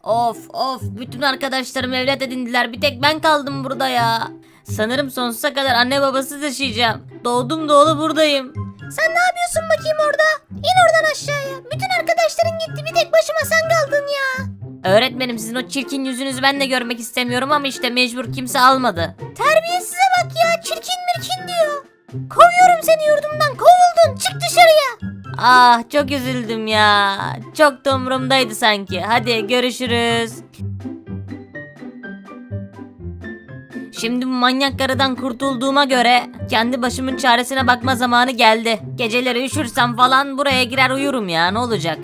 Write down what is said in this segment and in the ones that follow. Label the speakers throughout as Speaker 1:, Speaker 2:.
Speaker 1: Of of, bütün arkadaşlarım evlat edindiler, bir tek ben kaldım burada ya. Sanırım sonsuza kadar anne babasız yaşayacağım. Doğdum doğulu buradayım. Sen ne yapıyorsun bakayım orada? İn oradan aşağıya. Bütün arkadaşların gitti, bir tek başıma sen kaldın ya. Öğretmenim, sizin o çirkin yüzünüzü ben de görmek istemiyorum ama işte mecbur, kimse almadı. Terbiyesize bak ya, çirkin mirkin diyor. Kovuyorum seni yurdumdan, kovuldun, çık dışarıya. Ah, çok üzüldüm ya. Çok da umurumdaydı sanki. Hadi görüşürüz. Şimdi bu manyak karıdan kurtulduğuma göre kendi başımın çaresine bakma zamanı geldi. Geceleri üşürsem falan buraya girer uyurum ya, ne olacak?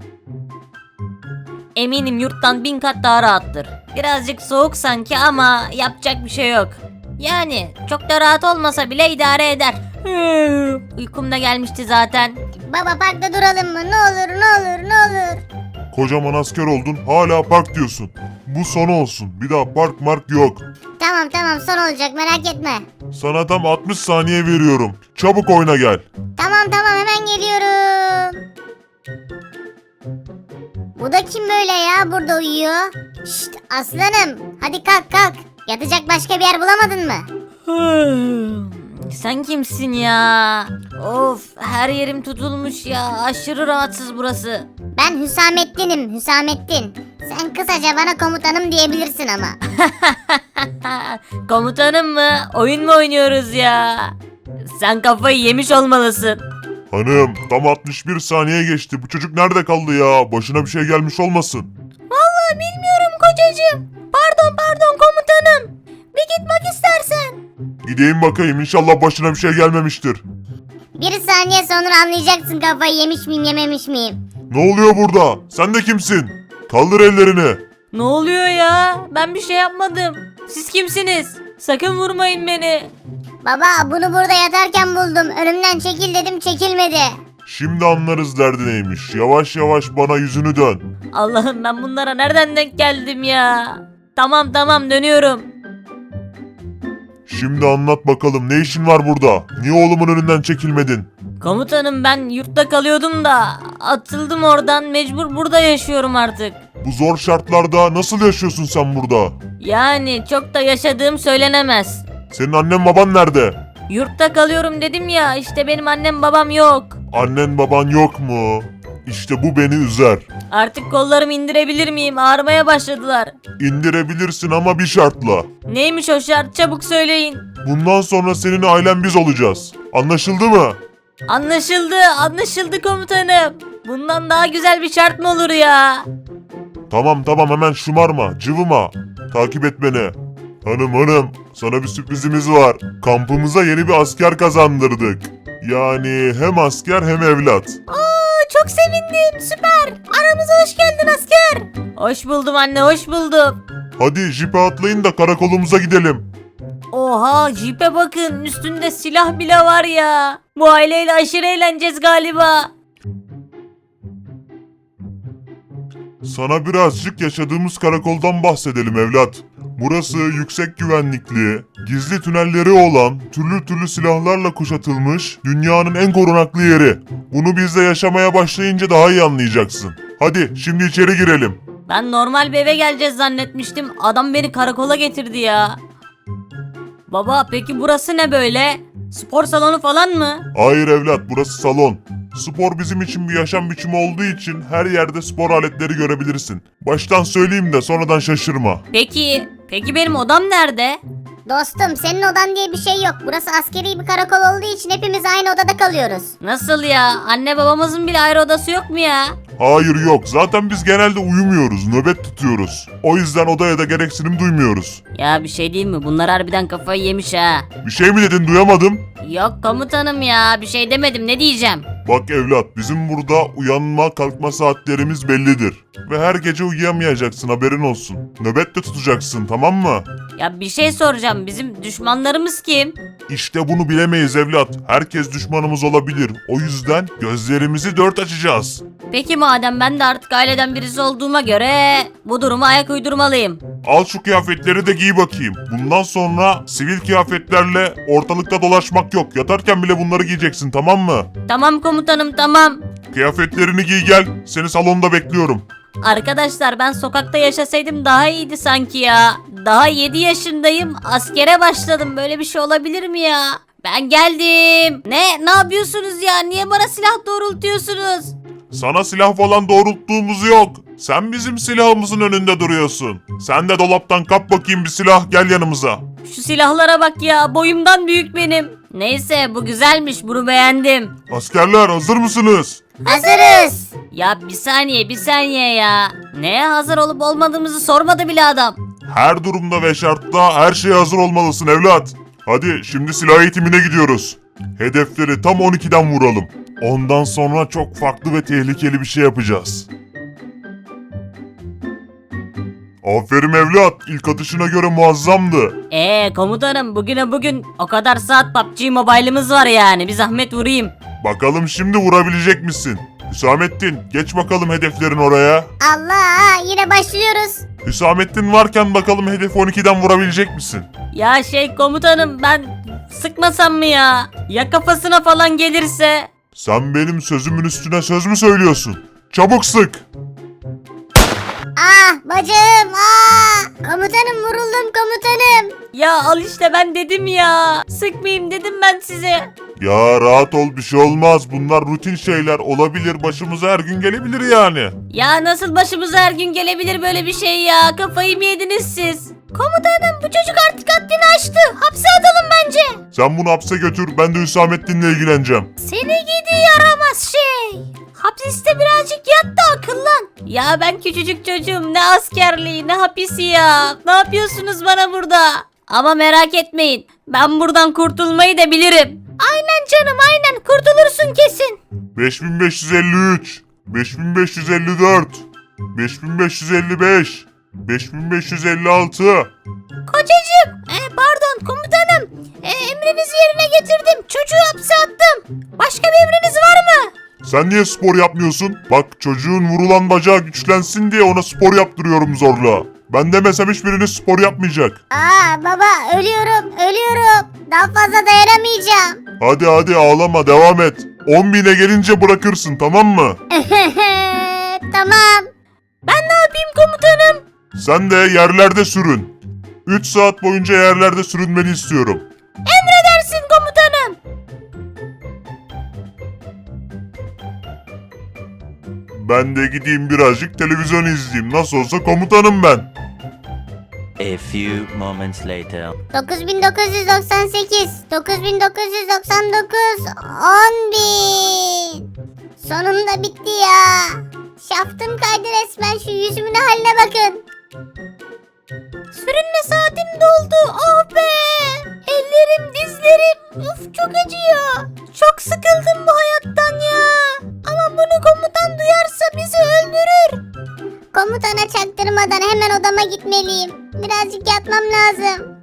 Speaker 1: Eminim yurttan 1000 kat daha rahattır. Birazcık soğuk sanki ama yapacak bir şey yok. Yani çok da rahat olmasa bile idare eder. Uykum da gelmişti zaten.
Speaker 2: Baba parkta duralım mı? Ne olur ne olur ne olur.
Speaker 3: Kocaman asker oldun hala park diyorsun. Bu son olsun. Bir daha park mark yok.
Speaker 2: Tamam son olacak merak etme.
Speaker 3: Sana tam 60 saniye veriyorum. Çabuk oyna gel.
Speaker 2: Tamam hemen geliyorum. Bu da kim böyle ya burada uyuyor? Şşt aslanım hadi kalk. Yatacak başka bir yer bulamadın mı?
Speaker 1: Sen kimsin ya? Of, her yerim tutulmuş ya. Aşırı rahatsız burası.
Speaker 2: Ben Hüsamettin. Sen kısaca bana komutanım diyebilirsin ama.
Speaker 1: Komutanım mı? Oyun mu oynuyoruz ya? Sen kafayı yemiş olmalısın.
Speaker 3: Hanım tam 61 saniye geçti. Bu çocuk nerede kaldı ya? Başına bir şey gelmiş olmasın.
Speaker 1: Vallahi bilmiyorum kocacığım. Pardon komutanım. Bir gitmek istersen.
Speaker 3: Gideyim bakayım, inşallah başına bir şey gelmemiştir.
Speaker 2: Bir saniye sonra anlayacaksın kafayı yemiş miyim yememiş miyim.
Speaker 3: Ne oluyor burada? Sen de kimsin? Kaldır ellerini.
Speaker 1: Ne oluyor ya? Ben bir şey yapmadım. Siz kimsiniz? Sakın vurmayın beni.
Speaker 2: Baba bunu burada yatarken buldum. Önümden çekil dedim çekilmedi.
Speaker 3: Şimdi anlarız derdi neymiş. Yavaş yavaş bana yüzünü dön.
Speaker 1: Allah'ım, ben bunlara nereden denk geldim ya? Tamam dönüyorum.
Speaker 3: Şimdi anlat bakalım, ne işin var burada? Niye oğlumun önünden çekilmedin?
Speaker 1: Komutanım, ben yurtta kalıyordum da atıldım oradan, mecbur burada yaşıyorum artık.
Speaker 3: Bu zor şartlarda nasıl yaşıyorsun sen burada?
Speaker 1: Yani çok da yaşadığım söylenemez.
Speaker 3: Senin annen baban nerede?
Speaker 1: Yurtta kalıyorum dedim ya, işte benim annem babam yok.
Speaker 3: Annen baban yok mu? İşte bu beni üzer.
Speaker 1: Artık kollarımı indirebilir miyim? Ağrımaya başladılar.
Speaker 3: İndirebilirsin ama bir şartla.
Speaker 1: Neymiş o şart, çabuk söyleyin.
Speaker 3: Bundan sonra senin ailen biz olacağız. Anlaşıldı mı?
Speaker 1: Anlaşıldı komutanım. Bundan daha güzel bir şart mı olur ya?
Speaker 3: Tamam hemen şımarma, cıvıma. Takip et beni. Hanım sana bir sürprizimiz var. Kampımıza yeni bir asker kazandırdık. Yani hem asker hem evlat.
Speaker 1: Çok sevindim, süper. Aramıza hoş geldin asker. Hoş buldum anne, hoş buldum.
Speaker 3: Hadi jipe atlayın da karakolumuza gidelim.
Speaker 1: Oha, jipe bakın, üstünde silah bile var ya. Bu aileyle aşırı eğleneceğiz galiba.
Speaker 3: Sana birazcık yaşadığımız karakoldan bahsedelim evlat. Burası yüksek güvenlikli, gizli tünelleri olan, türlü silahlarla kuşatılmış dünyanın en korunaklı yeri. Bunu bizde yaşamaya başlayınca daha iyi anlayacaksın. Hadi şimdi içeri girelim.
Speaker 1: Ben normal bir eve geleceğiz zannetmiştim. Adam beni karakola getirdi ya. Baba, peki burası ne böyle? Spor salonu falan mı?
Speaker 3: Hayır evlat, burası salon. Spor bizim için bir yaşam biçimi olduğu için her yerde spor aletleri görebilirsin. Baştan söyleyeyim de sonradan şaşırma.
Speaker 1: Peki benim odam nerede?
Speaker 2: Dostum senin odan diye bir şey yok. Burası askeri bir karakol olduğu için hepimiz aynı odada kalıyoruz.
Speaker 1: Nasıl ya? Anne babamızın bile ayrı odası yok mu ya?
Speaker 3: Hayır yok, zaten biz genelde uyumuyoruz, nöbet tutuyoruz. O yüzden odaya da gereksinim duymuyoruz.
Speaker 1: Ya bir şey değil mi? Bunlar harbiden kafayı yemiş ha.
Speaker 3: Bir şey mi dedin, duyamadım?
Speaker 1: Yok komutanım ya, bir şey demedim, ne diyeceğim?
Speaker 3: Bak evlat, bizim burada uyanma kalkma saatlerimiz bellidir. Ve her gece uyuyamayacaksın, haberin olsun. Nöbet de tutacaksın, tamam mı?
Speaker 1: Ya bir şey soracağım, bizim düşmanlarımız kim?
Speaker 3: İşte bunu bilemeyiz evlat. Herkes düşmanımız olabilir. O yüzden gözlerimizi dört açacağız.
Speaker 1: Peki madem ben de artık aileden birisi olduğuma göre bu duruma ayak uydurmalıyım.
Speaker 3: Al şu kıyafetleri de giy bakayım. Bundan sonra sivil kıyafetlerle ortalıkta dolaşmak yok. Yatarken bile bunları giyeceksin, tamam mı?
Speaker 1: Tamam komutanım, tamam.
Speaker 3: Kıyafetlerini giy gel. Seni salonda bekliyorum.
Speaker 1: Arkadaşlar ben sokakta yaşasaydım daha iyiydi sanki ya. Daha 7 yaşındayım. Askere başladım. Böyle bir şey olabilir mi ya? Ben geldim. Ne yapıyorsunuz ya? Niye bana silah doğrultuyorsunuz?
Speaker 3: Sana silah falan doğrulttuğumuz yok. Sen bizim silahımızın önünde duruyorsun. Sen de dolaptan kap bakayım bir silah, gel yanımıza.
Speaker 1: Şu silahlara bak ya. Boyumdan büyük benim. Neyse bu güzelmiş. Bunu beğendim.
Speaker 3: Askerler hazır mısınız?
Speaker 2: Hazırız.
Speaker 1: Ya bir saniye ya. Neye hazır olup olmadığımızı sormadı bile adam.
Speaker 3: Her durumda ve şartta her şeye hazır olmalısın evlat. Hadi şimdi silah eğitimine gidiyoruz. Hedefleri tam 12'den vuralım. Ondan sonra çok farklı ve tehlikeli bir şey yapacağız. Aferin evlat, ilk atışına göre muazzamdı.
Speaker 1: Komutanım bugün o kadar saat PUBG Mobile'ımız var yani. Bir zahmet vurayım.
Speaker 3: Bakalım şimdi vurabilecek misin? Hüsamettin, geç bakalım hedeflerin oraya.
Speaker 2: Allah, yine başlıyoruz.
Speaker 3: Hüsamettin varken bakalım hedefi 12'den vurabilecek misin?
Speaker 1: Ya komutanım ben sıkmasam mı ya? Ya kafasına falan gelirse?
Speaker 3: Sen benim sözümün üstüne söz mü söylüyorsun? Çabuk sık.
Speaker 2: Bacım, komutanım, vuruldum komutanım.
Speaker 1: Ya al işte ben dedim ya. Sıkmayayım dedim ben size.
Speaker 3: Ya rahat ol, bir şey olmaz. Bunlar rutin şeyler, olabilir, başımıza her gün gelebilir yani.
Speaker 1: Ya nasıl başımıza her gün gelebilir böyle bir şey ya? Kafayı mı yediniz siz? Komutanım bu çocuk artık haddini aştı. Hapse atalım bence.
Speaker 3: Sen bunu hapse götür, ben de Hüsamettin'le ilgileneceğim.
Speaker 1: Seni gidi yaramaz şey. Hapiste birazcık yat da akıllan. Ya ben küçücük çocuğum, ne askerliği ne hapisi ya. Ne yapıyorsunuz bana burada? Ama merak etmeyin, ben buradan kurtulmayı da bilirim. Aynen canım aynen, kurtulursun kesin.
Speaker 3: 5553, 5554, 5555, 5556.
Speaker 1: Kocacığım, pardon komutanım. Emrinizi yerine getirdim. Çocuğu hapse attım. Başka bir emriniz var mı?
Speaker 3: Sen niye spor yapmıyorsun? Bak, çocuğun vurulan bacağı güçlensin diye ona spor yaptırıyorum zorla. Ben demesem hiçbiriniz spor yapmayacak.
Speaker 2: Baba, ölüyorum. Daha fazla dayanamayacağım.
Speaker 3: Hadi ağlama, devam et. 10.000'e gelince bırakırsın, tamam mı?
Speaker 2: Tamam.
Speaker 1: Ben ne yapayım komutanım?
Speaker 3: Sen de yerlerde sürün. 3 saat boyunca yerlerde sürünmeni istiyorum.
Speaker 1: Emredersin komutanım.
Speaker 3: Ben de gideyim birazcık televizyon izleyeyim. Nasıl olsa komutanım ben.
Speaker 4: A few moments later.
Speaker 2: 9998, 9999, 10.000. Sonunda bitti ya. Şaftım kaydı resmen, şu yüzümün haline bakın.
Speaker 1: Sürünme saatim doldu. Oh be. Ellerim, dizlerim. Uf çok acıyor. Çok sıkıldım bu hayattan ya. Ama bunu komutan duyarsa bizi öldürür.
Speaker 2: Komutana çaktırmadan hemen odama gitmeliyim. Birazcık yatmam lazım.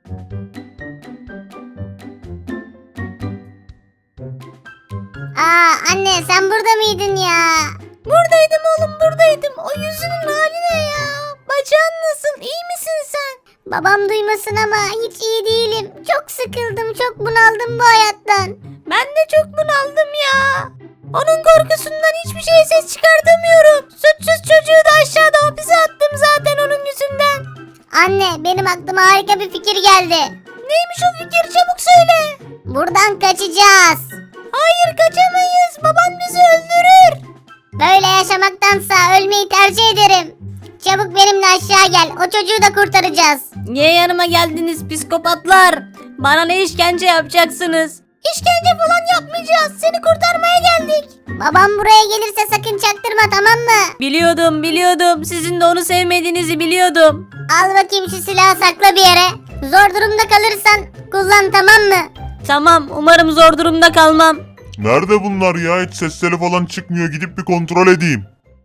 Speaker 2: Anne, sen burada mıydın ya?
Speaker 1: Buradaydım oğlum buradaydım. O yüzünün hali ne ya? Bacağın nasıl? İyi misin sen?
Speaker 2: Babam duymasın ama hiç iyi değilim. Çok sıkıldım, çok bunaldım bu hayattan.
Speaker 1: Ben de çok bunaldım ya. Onun korkusundan hiçbir şeye ses çıkartamıyorum. Suçsuz çocuğu da aşağıda hapise attım zaten onun yüzünden.
Speaker 2: Anne, benim aklıma harika bir fikir geldi.
Speaker 1: Neymiş o fikir, çabuk söyle.
Speaker 2: Buradan kaçacağız.
Speaker 1: Hayır kaçamayız, baban bizi öldürür.
Speaker 2: Böyle yaşamaktansa ölmeyi tercih ederim. Çabuk benimle aşağı gel. O çocuğu da kurtaracağız.
Speaker 1: Niye yanıma geldiniz psikopatlar? Bana ne işkence yapacaksınız? İşkence falan yapmayacağız. Seni kurtarmaya geldik.
Speaker 2: Babam buraya gelirse sakın çaktırma, tamam mı?
Speaker 1: Biliyordum. Sizin de onu sevmediğinizi biliyordum.
Speaker 2: Al bakayım şu silahı, sakla bir yere. Zor durumda kalırsan kullan, tamam mı?
Speaker 1: Tamam, umarım zor durumda kalmam.
Speaker 3: Nerede bunlar ya? Hiç sesleri falan çıkmıyor. Gidip bir kontrol edeyim.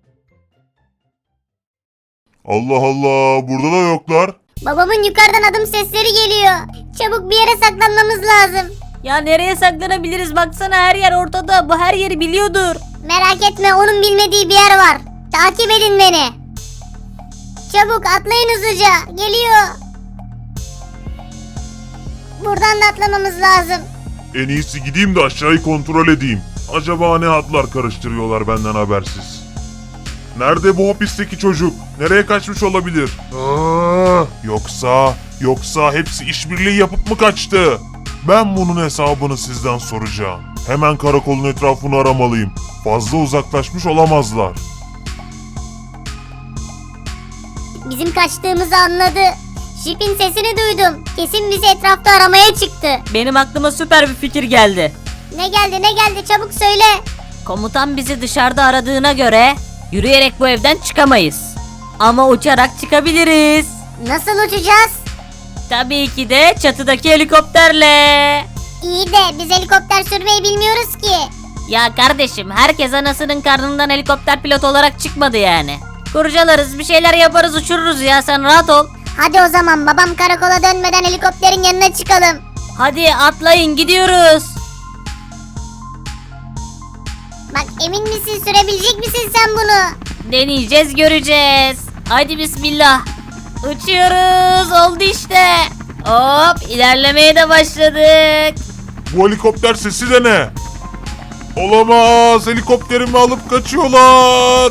Speaker 3: Allah Allah, burada da yoklar.
Speaker 2: Babamın yukarıdan adım sesleri geliyor. Çabuk bir yere saklanmamız lazım.
Speaker 1: Ya nereye saklanabiliriz? Baksana her yer ortada. Bu her yeri biliyordur.
Speaker 2: Merak etme, onun bilmediği bir yer var. Takip edin beni. Çabuk atlayın hızlıca. Geliyor. Buradan da atlamamız lazım.
Speaker 3: En iyisi gideyim de aşağıyı kontrol edeyim. Acaba ne hatlar karıştırıyorlar benden habersiz. Nerede bu hapisteki çocuk? Nereye kaçmış olabilir? Yoksa hepsi işbirliği yapıp mı kaçtı? Ben bunun hesabını sizden soracağım. Hemen karakolun etrafını aramalıyım. Fazla uzaklaşmış olamazlar.
Speaker 2: Bizim kaçtığımızı anladı. Jeep'in sesini duydum. Kesin bizi etrafta aramaya çıktı.
Speaker 1: Benim aklıma süper bir fikir geldi.
Speaker 2: Ne geldi çabuk söyle.
Speaker 1: Komutan bizi dışarıda aradığına göre yürüyerek bu evden çıkamayız. Ama uçarak çıkabiliriz.
Speaker 2: Nasıl uçacağız?
Speaker 1: Tabii ki de çatıdaki helikopterle.
Speaker 2: İyi de biz helikopter sürmeyi bilmiyoruz ki.
Speaker 1: Ya kardeşim, herkes anasının karnından helikopter pilot olarak çıkmadı yani. Kurcalarız, bir şeyler yaparız, uçururuz ya, sen rahat ol.
Speaker 2: Hadi o zaman babam karakola dönmeden helikopterin yanına çıkalım.
Speaker 1: Hadi atlayın, gidiyoruz.
Speaker 2: Bak emin misin, sürebilecek misin sen bunu?
Speaker 1: Deneyeceğiz, göreceğiz. Hadi bismillah. Uçuyoruz, oldu işte. Hop, ilerlemeye de başladık.
Speaker 3: Bu helikopter sesi de ne? Olamaz, helikopterimi alıp kaçıyorlar.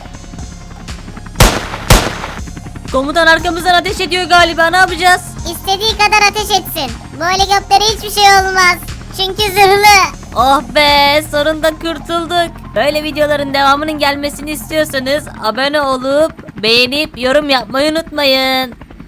Speaker 1: Komutan arkamızdan ateş ediyor galiba, ne yapacağız?
Speaker 2: İstediği kadar ateş etsin. Bu helikoptere hiçbir şey olmaz. Çünkü zırhlı.
Speaker 1: Oh be, sonunda kurtulduk. Böyle videoların devamının gelmesini istiyorsanız abone olup beğenip yorum yapmayı unutmayın.